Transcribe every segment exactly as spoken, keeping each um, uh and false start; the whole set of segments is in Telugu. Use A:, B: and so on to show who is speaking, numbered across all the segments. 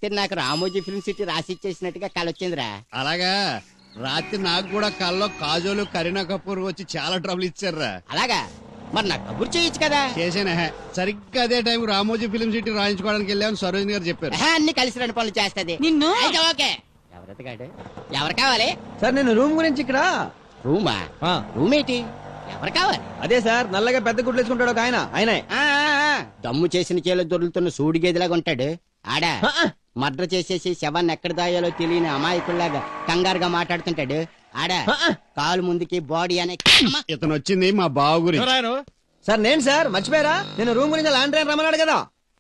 A: రాత్రి నాకు రామోజీ ఫిల్మ్ సిటీ రాసి ఇచ్చేసినట్టుగా కలొచ్చిందిరా.
B: అలాగా రాత్రి నాకు కూడా కల్లో కాజోలు కరీనా కపూర్ వచ్చి చాలా ట్రబుల్ ఇచ్చారా.
A: అలాగా మరి నాకు కబుర్ చేయొచ్చు కదా.
B: చేసానే సరిగ్గా అదే టైం రామోజీ ఫిల్మ్ సిటీ రాయించుకోవడానికి వెళ్ళామని సరోజిని గారు చెప్పారు.
A: అన్ని కలిసి రెండు పనులు చేస్తది
C: నిన్ను
A: అయితే ఓకే. ఎవరెతగాడు ఎవరు కావాలి?
D: సార్ నేను రూమ్ గురించి ఇక్కడ
A: రూమా? రూమ్ ఏంటి? ఎవరు కావాలి?
D: అదే సార్ నల్లగా పెద్ద గుడ్లు వేసుకుంటాడు ఒక ఆయన ఆయనే.
A: ఆ, ఆ, ఆ, దమ్ము చేసిన చేలో దొరుకుతున్న సూడి గేదెలాగా ఉంటాడు ఆడా. మర్డర్ చేసేసి శవాన్ని ఎక్కడ దాయాలో తెలియని అమాయకుల్లాగా కంగారుగా మాట్లాడుతుంటాడు ఆడా. కాలు ముందుకి బాడీ అనే.
B: ఇతను వచ్చింది మా బావ గురించి.
D: సార్ నేను సార్ మర్చిపోయారా? నేను రూమ్ గురించి ల్యాండ్ ట్రైన్ రమ్మన్నాడు కదా.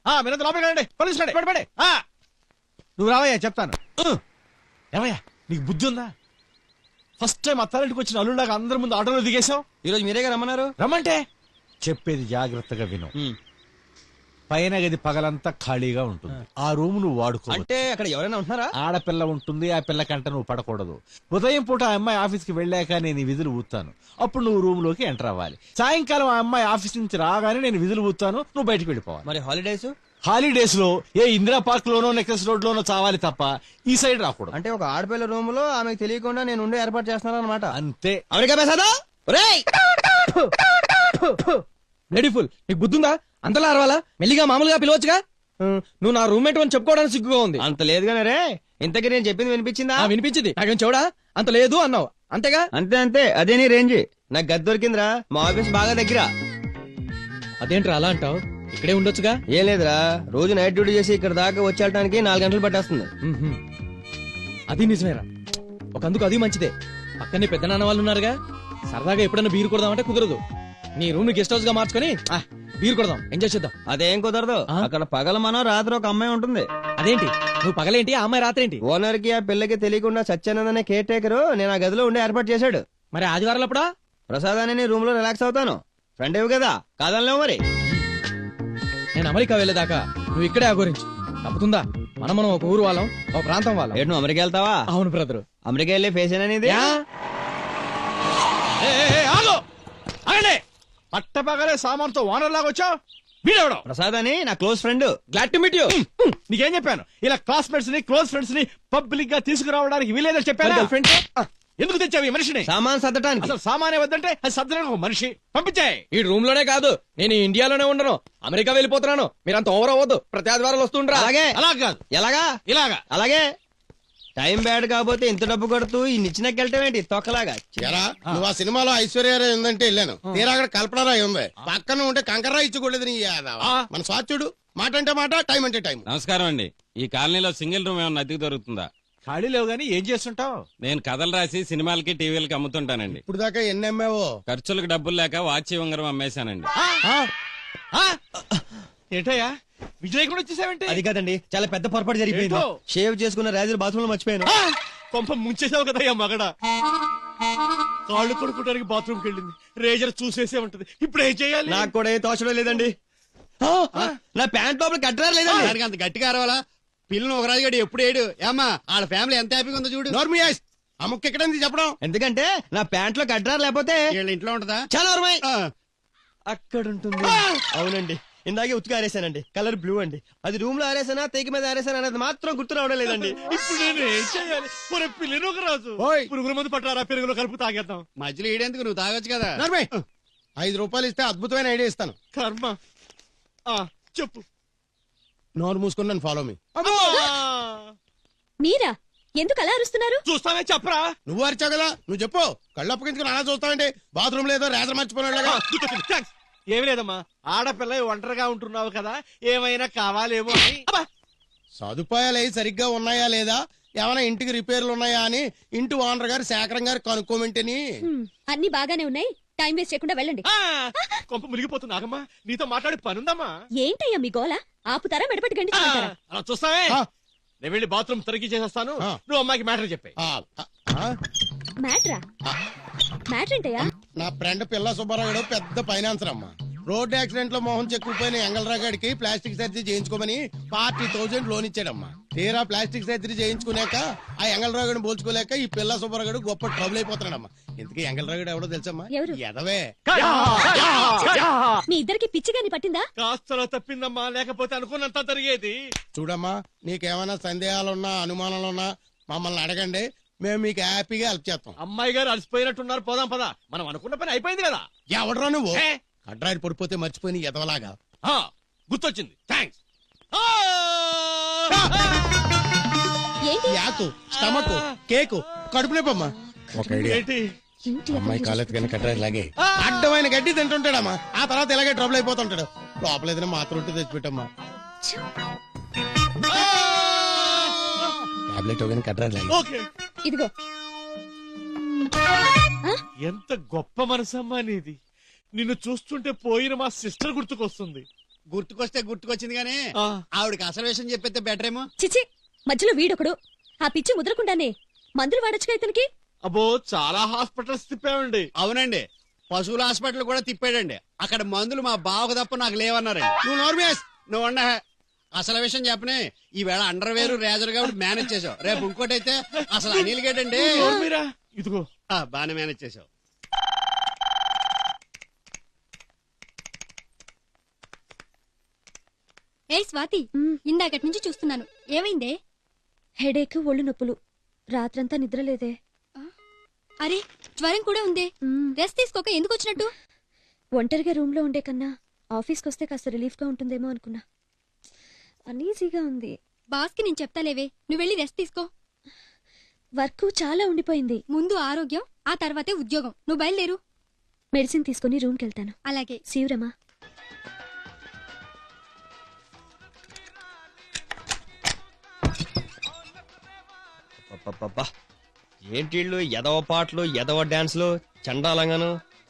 E: నువ్వు రావయ్యా చెప్తాను. ఏమయ్యా నీకు బుద్ధి ఉందా? ఫస్ట్ టైం అత్తారింటికి వచ్చిన అల్లుళ్ళగా అందరి ముందు ఆటోలో దిగేశావు.
D: ఈ రోజు మీరేగా రమ్మన్నారు.
E: రమ్మంటే చెప్పేది జాగ్రత్తగా విను. పైన గది పగలంతా ఖాళీగా ఉంటుంది. ఆ రూమ్ నువ్వు వాడుకో.
D: అంటే అక్కడ ఎవరైనా ఉంటున్నారా?
E: ఆడపిల్ల ఉంటుంది. ఆ పిల్ల కంట నువ్వు పడకూడదు. ఉదయం పూట ఆ అమ్మాయి ఆఫీస్ కి వెళ్ళాక నేను ఈ విధులు ఊతాను. అప్పుడు నువ్వు రూమ్ లోకి ఎంటర్ అవ్వాలి. సాయంకాలం ఆ అమ్మాయి ఆఫీస్ నుంచి రాగానే నేను విధులు ఊతాను. నువ్వు బయటకు వెళ్ళిపోవాలి.
D: మరి హాలిడేస్?
E: హాలిడేస్ లో ఏ ఇందిరా పార్క్ లోనో నెక్లెస్ రోడ్ లోనో చావాలి తప్ప ఈ సైడ్ రాకూడదు.
D: అంటే ఒక ఆడపిల్ల రూమ్ లో ఆమెకు తెలియకుండా నేను ఉండే ఏర్పాటు చేస్తున్నాను అనమాట.
E: అంతే.
D: అమెరికా బేసాదా? బ్యూటిఫుల్. నీకు బుద్ధుందా? అంతలా అరవాలా? మెల్లిగా మామూలుగా పిలవచ్చుగా. నువ్వు నా రూమ్మేట్ అని చెప్పుకోవడానికి సిగ్గుగా ఉంది. అంత లేదుగానే రే. ఇంతకీ నేను చెప్పింది వినిపించిందా? వినిపించింది. నాకేం చూడా? అంత లేదు అన్నావు అంతేగా. అంతే అంతే. అదే నీ రేంజ్. నాకు గది దొరికిందిరా. మా ఆఫీస్ బాగా దగ్గర.
F: అదేంట్రా అలా అంటావు? ఇక్కడే ఉండొచ్చుగా.
D: ఏం లేదురా, రోజు నైట్ డ్యూటీ చేసి ఇక్కడ దాకా వచ్చేయడానికి నాలుగు గంటలు పట్టేస్తుంది.
F: అది నిజమేరా. ఒకందుకు అది మంచిదే. పక్కనే పెద్ద నాన్న వాళ్ళు ఉన్నారుగా. సరదాగా ఎప్పుడైనా బీరు కొడదామంటే కుదరదు. నీ రూమ్ ని గెస్ట్ హౌస్ గా మార్చుకుని బీరు కొడదాం, ఎంజాయ్ చేద్దాం.
D: అదేం కుదరదు. అక్కడ పగల మనం రాత్రి ఒక అమ్మాయి ఉంటుంది.
F: అదేంటి? నువ్వు పగలేంటి, ఆ అమ్మాయి రాత్రి ఏంటి?
D: ఓనర్ కి ఆ పిల్లకి తెలియకుండా సత్యానందనే కేర్ టేకర్ నేను ఆ గదిలో ఉండే ఏర్పాటు చేశాడు.
F: మరి ఆదివారం అప్పుడా
D: ప్రసాద్ అని రూమ్ లో రిలాక్స్ అవుతాను. ఫ్రెండ్ ఏవి కదా, కాదనలేవు. మరి
F: నేను అమెరికా వెళ్ళేదాకా నువ్వు ఇక్కడే ఆగోరించి తప్పుతుందా? మనం మనం ఒక ఊరు వాళ్ళం, ఒక ప్రాంతం వాళ్ళం.
D: ఏంటి నువ్వు అమెరికా వెళ్తావా?
F: అవును బ్రదరు.
D: అమెరికా వెళ్ళే ఫేస్ అనేది
E: పట్టపగలే సామాన్తో ఓనర్ లాగా వచ్చావు. వీడెవడో
D: ప్రసాద్ అని నా close friend.
F: Glad to meet you.
E: నీకేం చెప్పాను? ఇలా క్లాస్మేట్స్ ని క్లోజ్ ఫ్రెండ్స్ ని పబ్లిక్ గా తీసుకురావడానికి వీలేదని చెప్పాను.
F: ఫ్రెండ్
E: ఎందుకు తెచ్చావు ఈ మనిషిని?
D: సామాన్ సర్దటానికి.
E: అసలు సామానే వద్దంటే అది సర్దడానికి ఒక మనిషి పంపించాయి.
F: ఈ రూమ్ లోనే కాదు, నేను ఇండియాలోనే ఉండను, అమెరికా వెళ్ళిపోతున్నాను. మీరంత ఓవర్ అవ్వద్దు. ప్రతి ఆదివారాలు వస్తుండ్రా.
D: అలాగే.
E: అలా కాదు.
D: ఎలాగా?
E: ఇలాగా.
D: అలాగే. టైం బ్యాడ్ కాకపోతే ఇంత డబ్బు కొడుతూ ఈ నిచ్చినకెళ్ళటం ఏంటి తొక్కలాగా?
G: నువ్వు ఆ సినిమాలో ఐశ్వర్యరాయ్ ఉందంటే వెళ్ళాను. తీరా అక్కడ కల్పనరాయ్ ఉంది. పక్కన ఉంటే కంకర్రాయ్ ఇచ్చుకోలేదు. నీ మన స్వాచ్యుడు. మాట అంటే మాట, టైం అంటే టైం.
H: నమస్కారం అండి. ఈ కాలనీలో సింగిల్ రూమ్ ఏమన్నా అద్దెకు దొరుకుతుందా?
E: ఖాళీ లేవు గానీ ఏం చేస్తుంటావు?
H: నేను కథలు రాసి సినిమాలకి టీవీలకి అమ్ముతుంటానండి.
G: ఇప్పుడు దాకా ఎన్ని అమ్మావో?
H: ఖర్చులకు డబ్బులు లేక వాచి ఉంగరం అమ్మేశానండి.
E: ఏంటయ్యా విజయ్ కూడా వచ్చేసావంటే?
D: అది కాదండి, చాలా పెద్ద పొరపాటు జరిగిపోయింది. షేవ్ చేసుకున్న రాజు బాత్రూమ్ లో మర్చిపోయాను.
E: కొంప ముంచేసావు కదా మగడ. కాళ్ళు కొడుకోవడానికి బాత్రూమ్ కి వెళ్ళింది. రేజర్ చూసేసే ఉంటది. ఇప్పుడు ఏం చేయాలి?
D: నాకు కూడా ఏం తోచడం లేదండి. నా ప్యాంట్ లోపల కట్టరా లేదండి.
B: దానికి అంత గట్టిగా అరవాలా? పిల్లని ఒక రాజుగాడు ఎప్పుడు ఏడు ఏమా వాళ్ళ ఫ్యామిలీ ఎంత హ్యాపీగా ఉందో చూడు.
G: నోర్మియాస్ ఆ ముక్క ఎక్కడ చెప్పడం.
D: ఎందుకంటే నా ప్యాంట్ లో కట్టరా లేకపోతే
B: వీళ్ళ ఇంట్లో ఉంటదా?
D: చాలా అక్కడ ఉంటుంది. అవునండి, ఇందాకే ఉతుకు ఆరేసానండి. కలర్ బ్లూ అండి. అది రూమ్ లో ఆరేసానా తేకి మీద ఆరేసానా అనేది మాత్రం గుర్తు రావడం లేదండి.
E: ఇప్పుడు నేను ఏం చేయాలి? ఒరే పిల్లని ఒక రాజు, పురుగుల మందు పట్టారా? పెరుగులో కలుపు తాగేద్దాం.
B: మధ్యలో ఈడేందుకు, నువ్వు తాగొచ్చు కదా.
G: నోర్మయ్ ఐదు రూపాయలు ఇస్తే అద్భుతమైన ఐడియా ఇస్తాను.
E: కర్మ. ఆ చెప్పు.
G: నోరు మూసుకుని నన్ను ఫాలో మీ.
C: మీరా? ఎందుకు అలా అరుస్తున్నారు?
E: చూస్తానే చెప్పరా.
G: నువ్వు అరిచావు కదా, నువ్వు చెప్పు. కళ్ళు అప్పగించుకుని అలా చూస్తావంటే బాత్రూమ్ లేదో రేజర్ మర్చిపోయినట్లుగా.
E: ఏమి లేదమ్మా, ఆడపిల్ల ఒంటరిగా ఉంటున్నావు కదా, ఏమైనా కావాలేమో అని.
G: సదుపాయాలు అయి సరిగ్గా ఉన్నాయా లేదా, ఏమైనా ఇంటికి రిపేర్లు ఉన్నాయా అని ఇంటి ఓనర్ గారు శేఖరం గారు కనుక్కోమంటేని.
C: అన్ని బాగానే ఉన్నాయి. టైం వేస్ట్ చేయకుండా వెళ్ళండి.
E: కొంప మునిగిపోతుంది. ఆగమ్మా, నీతో మాట్లాడి పనుందమ్మా.
C: ఏంటయ్యా మీ గోల? ఆపుతారా మెడపట్టి గండి
E: అలా చూస్తావే. నేను వెళ్ళి బాత్రూమ్ తరిగి చేసేస్తాను. నువ్వు అమ్మాయికి మ్యాటర్ చెప్పే.
C: మ్యాటరా? మ్యాటర్ ఏంటయ్యా?
G: నా ఫ్రెండ్ పిల్ల సుబ్బారావు పెద్ద ఫైనాన్సర్ అమ్మా. రోడ్ యాక్సిడెంట్ లో మోహన్ చెక్కుపోయిన ఎంగళరాగాడికి ప్లాస్టిక్ సర్జరీ చేయించుకోమని ఫార్టీ థౌసండ్ లోన్ ఇచ్చాడమ్మా. తీరా ప్లాస్టిక్ సర్జరీ చేయించుకున్నాక ఆ ఎంగళరావుని పోల్చుకోలేక ఈ పిల్ల సుబ్బరగడు గొప్ప ట్రబుల్ అయిపోతున్నాడమ్మా. ఇంతకీ ఎంగళరావుడు ఎవడో తెలుసమ్మా?
C: ఎవరు?
G: ఎదవే.
C: మీ ఇద్దరికి పిచ్చిగాని పట్టిందా?
E: కాస్తలో తప్పిందమ్మా, లేకపోతే అనుకున్నంత జరిగేది.
G: చూడమ్మా, నీకేమైనా సందేహాలున్నా అనుమానాలున్నా మమ్మల్ని అడగండి, మేము మీకు హ్యాపీగా హెల్ప్ చేస్తాం.
E: అమ్మాయి గారు అలసిపోయినట్టున్నారు, పోదాం పదా. మనం అనుకున్న పని అయిపోయింది కదా.
G: ఎవడరా నువ్వు? కడ్రాయిని పడిపోతే మర్చిపోయి ఎదవలాగా.
E: ఆ, గుర్తొచ్చింది, థ్యాంక్స్.
C: ఏంటి?
G: యాకు స్టమక్ కేకు కడుపు నొప్పమ్మా. ఒక ఐడియా,
E: ఏంటి?
C: ఏంటి
G: అమ్మాయి
C: అతను
G: కాలేదు కానీ కడ్రాయి లాగే అడ్డమైన గడ్డి తింటుంటాడమ్మా. ఆ తర్వాత ఇలాగే ట్రబుల్ అయిపోతుంటాడు. లోపల ఏదైనా మాత్రం ఉంటే తెచ్చిపెట్టమ్మా. టాబ్లెట్ ఒకని కడ్రాయి లాగే.
E: ఓకే.
C: ఇదిగో.
E: ఎంత గొప్ప మనసమ్మా నీది. నిన్ను చూస్తుంటే పోయిన మా సిస్టర్ గుర్తుకొస్తుంది.
B: గుర్తుకొస్తే గుర్తుకొచ్చింది గానీ
E: ఆ.
B: ఆవిడకి అసలు విషయం చెప్పేస్తే బెటర్ ఏమో.
C: చిచి, మధ్యలో వీడొకడు. ఆ పిచ్చి ముదరకుండానే మందులు వాడొచ్చుగా ఇతనికి.
E: అబ్బో, చాలా హాస్పిటల్స్ తిప్పామండి.
B: అవునండి, పశువుల హాస్పిటల్ కూడా తిప్పాడండి. అక్కడ మందులు మా బావకు తప్ప నాకు లేవన్నారండి.
G: నువ్వు నోర్మేస్.
B: నువ్వు అన్న అసలు విషయం చెప్పనే, ఈవేళ అండర్ వేరు రేజర్ కాబట్టి మేనేజ్ చేసావు. రేపు ఇంకోటి అయితే అసలు అనిల్ గేటండి.
E: మీరా ఇదిగో.
B: ఆ, బానే మేనేజ్ చేసావు.
I: ఏ స్వాతి, ఇందాకటి నుంచి చూస్తున్నాను, ఏమైందే?
C: హెడేక్, ఒళ్ళు నొప్పులు. రాత్రంతా నిద్రలేదే.
I: అరే, జ్వరం కూడా ఉందే.
C: మ్మ్.
I: రెస్ట్ తీసుకోక ఎందుకు వచ్చినట్టు?
C: ఒంటరిగా రూమ్ లో ఉండే కన్నా ఆఫీస్కి వస్తే కాస్త రిలీఫ్ గా ఉంటుందేమో అనుకున్నా. అనీజీగా ఉంది.
I: బాస్ కి నేను చెప్తాలేవే, నువ్వు వెళ్ళి రెస్ట్ తీసుకో.
C: వర్క్ చాలా ఉండిపోయింది.
I: ముందు ఆరోగ్యం, ఆ తర్వాతే ఉద్యోగం. నువ్వు బయలుదేరు.
C: మెడిసిన్ తీసుకుని రూమ్కి వెళ్తాను.
I: అలాగే.
C: శివరమా.
D: అబ్బబ్బబ్బా. ఏంటి వీళ్ళు ఎదవ పాటలు, ఎదవ డాన్స్లు, చండాలంగాను.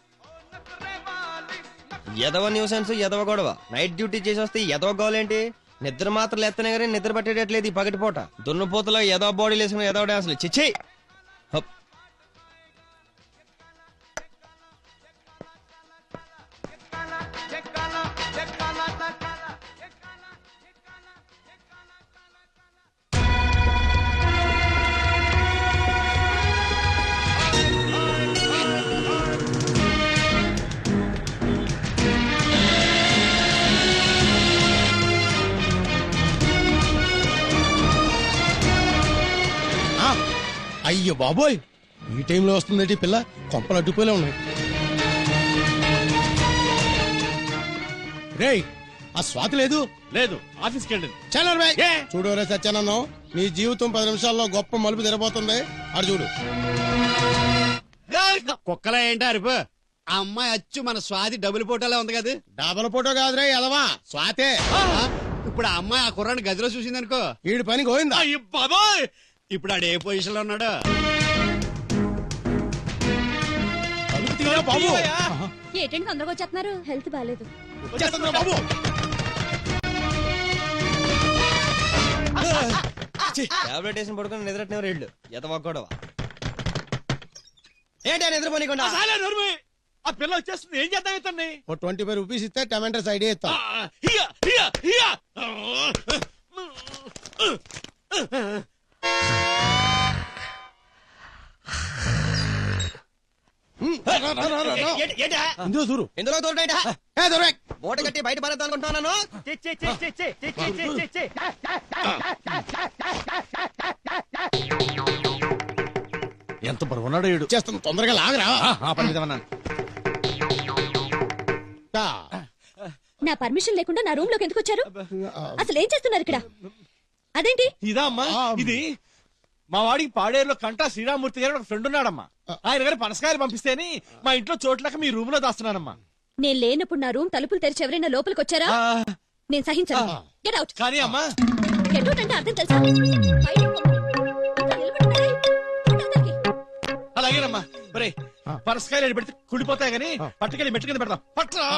D: ఎదవ న్యూసెన్స్, ఎదవ గొడవ. నైట్ డ్యూటీ చేసి వస్తే ఎదవ గోలేంటి? నిద్ర మాత్రం ఎత్తనే కానీ నిద్ర పట్టేటట్లేదు ఈ పగటిపూట. దున్నపోతలో ఎదవ బాడీలు వేసుకుని ఎదవ డాన్సులు. చిచ్చి. హప్.
G: ఆ, అయ్యో బాబోయ్, ఈ టైంలో వస్తుందంటే పిల్ల. కొంపలు అడ్డుపోలే ఉన్నాయి. రేయ్, ఆ స్వాతి లేదు.
E: లేదు, ఆఫీస్కి వెళ్ళండి.
G: చల్లరు బై.
E: ఏ?
G: చూడు రే సత్యానందం, నీ జీవితం పది నిమిషాల్లో గొప్ప మలుపు తెరబోతుంది. అడు చూడు.
B: కుక్కలా ఏంటి అరుపు? ఆ అమ్మాయి అచ్చు మన స్వాతి డబుల్ ఫోటోలా ఉంది కదా.
G: డబల్ ఫోటో కాదురే ఎదవా, స్వాతే.
B: ఆ, ఇప్పుడు ఆ అమ్మాయి ఆ కుర్రాన్ని గదిలో చూసిందనుకో,
G: ఈడి పని గోయిందా.
E: అయ్య బాబోయ్,
B: ఇప్పుడు ఆడు ఏ పొజిషన్ లో ఉన్నాడు?
G: తలుపు తీయరా బాబు.
C: ఏంటండి తొందరగా వచ్చేస్తున్నారు? హెల్త్ బాగాలేదు.
G: వచ్చేస్తుందిరా బాబు.
D: టాబ్లెట్ వేసిన పడుకుని నిద్రట్నే రెళ్ళు ఎదవ గొడవ. ఏంటి ఆ నిద్రపోనీకుండా?
E: చాలే నోర్మి. ఆ పిల్ల వచ్చేస్తుంది, ఏం చేద్దాం ఇతన్ని?
G: ఓ ట్వంటీ ఫైవ్ రూపీస్ ఇస్తే టమాటోస్ ఐడియా ఇస్తాం.
E: ఆ, హియా, హియా, హియా.
D: ఏంటి- ఏంటా?
G: ఇందులో చూడు.
D: ఎందులో తోటైటా?
G: ఏ దొరే.
D: మూట కట్టి బయట పడేద్దాం అనుకుంటున్నాను.
E: ఎంత బరువున్నాడు ఈడు.
G: చేస్తాం, తొందరగా లాగరా.
E: ఆ పని మీద ఉన్నాను.
G: తా.
C: నా పర్మిషన్ లేకుండా నా రూమ్ లోకి ఎందుకు వచ్చారు? అసలు ఏం చేస్తున్నారు ఇక్కడ? అదేంటి?
E: ఇదా అమ్మా, ఇది మా వాడికి పాడేరులో కంటా శ్రీరామూర్తి గారు ఒక ఫ్రెండ్ ఉన్నాడమ్మా. ఆయన గారు పనసకాయలు పంపిస్తేని మా ఇంట్లో చోట్లకి మీ రూమ్ లో దాస్తున్నానమ్మా.
C: నేను లేనప్పుడు నా రూమ్ తలుపులు తెరిచి ఎవరైనా లోపలికి వచ్చారా?
E: ఆ,
C: నేను సహించను. Get out.
E: కానీ అమ్మా,
C: గెట్ అవుట్ అంటే అర్థం తెలుసా? బయటికి పంపు. ఇక్కడ నిలబడున్నారే. పండు అవతలికి.
E: అలాగేనమ్మా. ఒరే, పనసకాయలు పెడితే కుళ్ళిపోతాయి గానీ పట్టుకెళ్ళి మెట్టు కింద పెడతాం. పట్రా.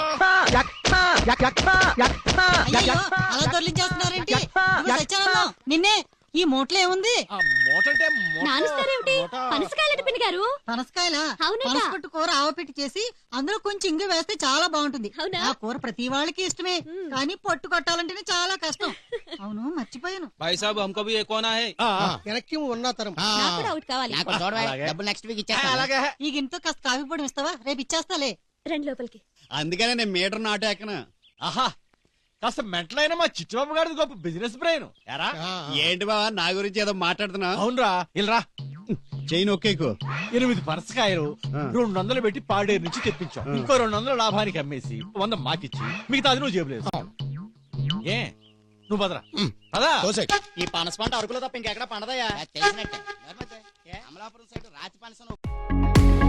J: అలా దొర్లించేస్తున్నారేంటి? ఇదిగో సత్యానందం, నిన్నే ఈ మూటలో ఏముంది?
E: మూటంటే
I: నానుస్తారేమిటి పనసకాయలట పిన్ని గారు.
J: పనసకాయల
I: అవునట.
J: పనసపట్టు కూర ఆవపెట్టి చేసి అందులో కొంచెం ఇంగు వేస్తే చాలా బాగుంటుంది.
I: అవునా?
J: ఆ కూర ప్రతి వాళ్ళకి ఇష్టమే, కానీ పట్టు కొట్టాలంటేనే చాలా కష్టం. అవును, మర్చిపోయాను.
F: భాయ్ సాబ్ హమ్కో భీ ఏక్ కోనా హై.
B: వెనక్కి ఉన్న తరం
I: నాకు కూడా ఒకటి కావాలి.
A: నాకు చూడవా డబ్బులు నెక్స్ట్ వీక్ ఇచ్చేస్తా
E: అలాగే
J: ఈ గింతో కాస్త కాఫీ పొడి ఇస్తావా? రేపు ఇచ్చేస్తాలే.
C: రండి లోపలికి.
B: అందుకనే నేను మీటర్ నాటు ఎక్కన.
E: ఆహా కాస్త మెంటలైన మా చిట్టుబాబు గారిది గొప్ప బిజినెస్ బ్రెయిన్ ఎరా
B: ఏంటి బావా నా గురించి ఏదో మాట్లాడుతున్నా?
E: అవునరా ఇల్రా
B: చైన్ ఒకేకు
E: ఎనిమిది పనసకాయలు రెండు వందలు పెట్టి పాడేరు నుంచి తెప్పించాం. ఇంకో రెండు వందలు లాభానికి అమ్మేసి వంద మాకిచ్చి మిగతా అది నువ్వు జేబులేదు. ఏ నువ్వు పదరా పదా.
A: ఈ పనస పంట అరకులో తప్ప ఇంకెక్కడ పండదయ్యా తెలిసినట్టే. అమలాపురం సైడ్ రాతి పనసను